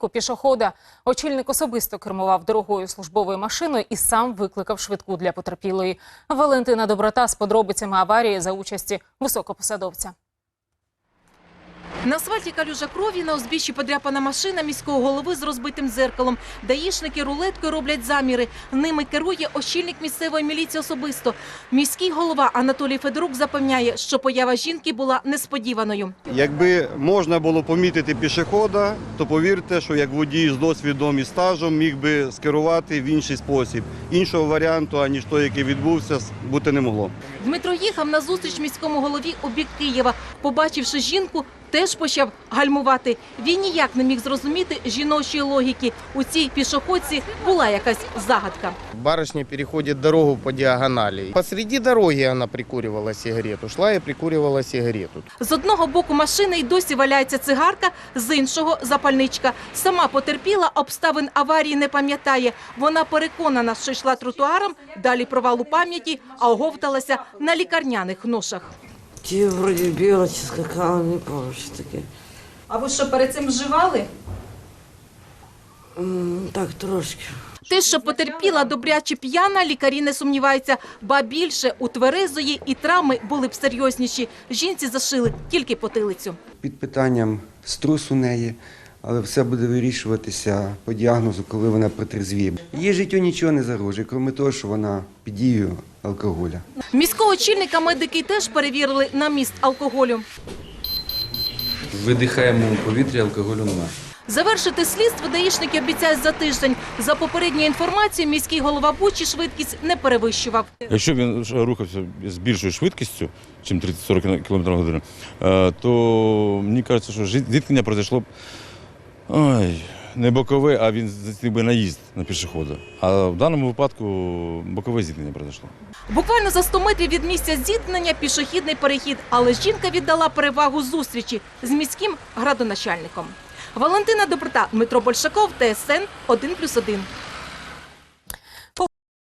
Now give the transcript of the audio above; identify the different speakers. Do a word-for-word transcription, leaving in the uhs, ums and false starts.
Speaker 1: пішохода. Очільник особисто кермував дорогою службовою машиною і сам викликав швидку для потерпілої. Валентина Доброта з подробицями аварії за участі високопосадовця.
Speaker 2: На асфальті калюжа крові, на узбіччі подряпана машина міського голови з розбитим дзеркалом. Даїшники рулеткою роблять заміри. Ними керує очільник місцевої міліції особисто. Міський голова Анатолій Федорук запевняє, що поява жінки була несподіваною.
Speaker 3: Якби можна було помітити пішохода, то повірте, що як водій з досвідом і стажем міг би скерувати в інший спосіб. Іншого варіанту, аніж той, який відбувся, бути не могло.
Speaker 2: Дмитро їхав на зустріч міському голові у бік Києва. Побачивши жінку, теж почав гальмувати. Він ніяк не міг зрозуміти жіночої логіки. У цій пішоходці була якась загадка.
Speaker 4: Барышня переходит дорогу по диагонали. Посреди дороги она прикуривала сигарету. Шла и прикуривала сигарету.
Speaker 2: З одного боку машини й досі валяється цигарка, з іншого – запальничка. Сама потерпіла, обставин аварії не пам'ятає. Вона переконана, що йшла тротуаром, далі провал у пам'яті, а оговталася на лікарняних ношах.
Speaker 5: Ті вроді біла чи скакала, не пам'ятаю, що таке.
Speaker 2: А ви що, перед цим вживали?
Speaker 5: М, Так, трошки.
Speaker 2: Те, що потерпіла добряче п'яна, лікарі не сумніваються. Ба більше, у тверезої і травми були б серйозніші. Жінці зашили тільки потилицю.
Speaker 6: Під питанням струс у неї, але все буде вирішуватися по діагнозу, коли вона протрезвіє. Її життю нічого не загрожує, крім того, що вона під дією алкоголя.
Speaker 2: Міського очільника медики теж перевірили на міст алкоголю.
Speaker 7: Видихаємо у повітрі, алкоголю немає.
Speaker 2: Завершити слідство даїшники обіцяють за тиждень. За попередньою інформацією, міський голова Бучі швидкість не перевищував.
Speaker 8: Якщо він рухався з більшою швидкістю, ніж тридцять-сорок кілометрів на годину, то мені кажеться, що зіткнення пройшло б ой, не бокове, а він здійснив би наїзд на пішохода. А в даному випадку бокове зіткнення пройшло.
Speaker 2: Буквально за сто метрів від місця зіткнення пішохідний перехід. Але жінка віддала перевагу зустрічі з міським градоначальником. Валентина Доброта, Дмитро Большаков, Т С Н один плюс один.